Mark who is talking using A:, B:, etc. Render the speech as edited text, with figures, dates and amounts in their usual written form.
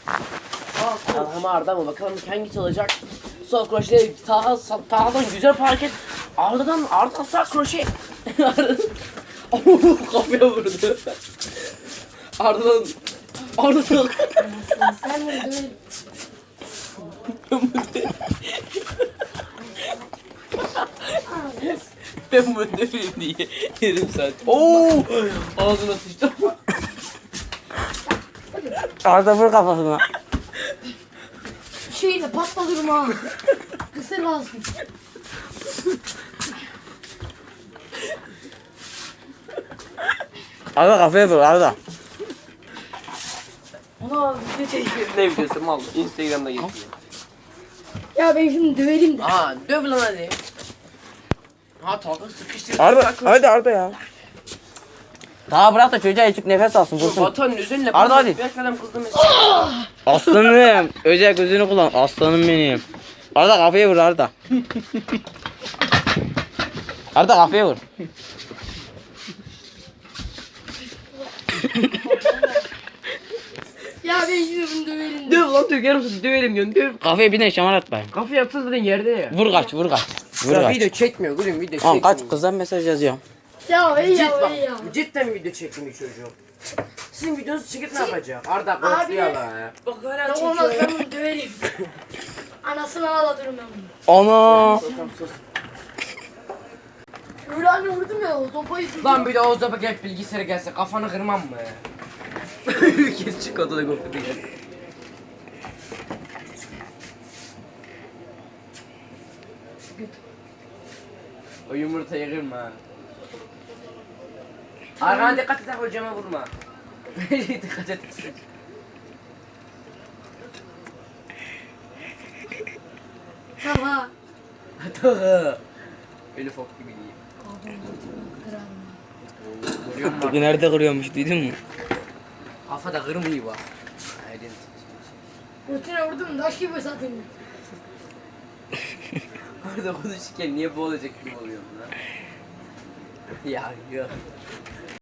A: Ama Arda mı? Bakalım hangisi olacak? Sol kroşe Taha'dan güzel bir hareket. Arda'dan sağ kroşe. Kafaya vurdu. Arda'dan
B: Sen bunu döverim.
A: Ben bunu döveyim diye yarım saat. Oo! Ağzına sıçtım.
C: Arda vur kafasına.
B: Şeyle patladım ha. Kısa lazım.
C: Arda kafaya vur Arda.
A: Ana video çekiyor. Ne videosu mal? Instagram'da geçiyor.
B: Ya ben şimdi döverim de.
A: Aha döv lan hadi. Ha Talha sıkıştırdı.
C: Arda hadi Arda ya. Daha bırak da çocuğa içip nefes alsın vursun.
A: Vatanın üzerine
C: Arda hadi.
A: Bir kadem kızdı mesela.
C: Aslanım. Özel gözünü kullan. Aslanım benim. Arda kafaya vur Arda. Arda kafaya vur.
B: Ya ben şimdi bunu döverim de.
A: Döv lan döv yarım saat dövelim diyorsun döv.
C: Kafaya bir de şamar at bayım.
A: Kafayı yapsın zaten yerde ya.
C: Vur kaç vur kaç. Vur
A: Ya
C: kaç.
A: video çekmiyor gülüm video
C: Tamam
A: çekmiyor.
C: kaç kızdan mesaj yazıyorum.
B: Ya iyi
A: Cidden
B: ya iyi ya.
A: cidden video çekmiyor çocuğum. Sizin videonuzu çekip ne yapacak? Arda
B: Abi.
A: konuşuyor ya. Bak hala
B: Ya olmaz ben bunu döverim. Anasını ağlatırım ben bunu.
C: Ana.
A: Tamam sus.
B: Öyle hani vurdum ya o sopayı tuttum.
A: Lan bir de Oğuz'a bak hep bilgisayara gelse kafanı kırmam mı? Kes çık odada korku değil. O yumurtayı kırma. Arkana dikkat et hocama vurma. Dikkat et.
B: Tamam.
A: Hata. Öyle fok gibi değil. Görüyor musun?
C: Bugün nerede kırıyormuş duydun mu?
A: Kafada kırmıyor bak. Aydın.
B: Rutine vurdum taş gibi zaten.
A: Orada konuşurken niye boğulacak gibi oluyorum lan? Ya yok.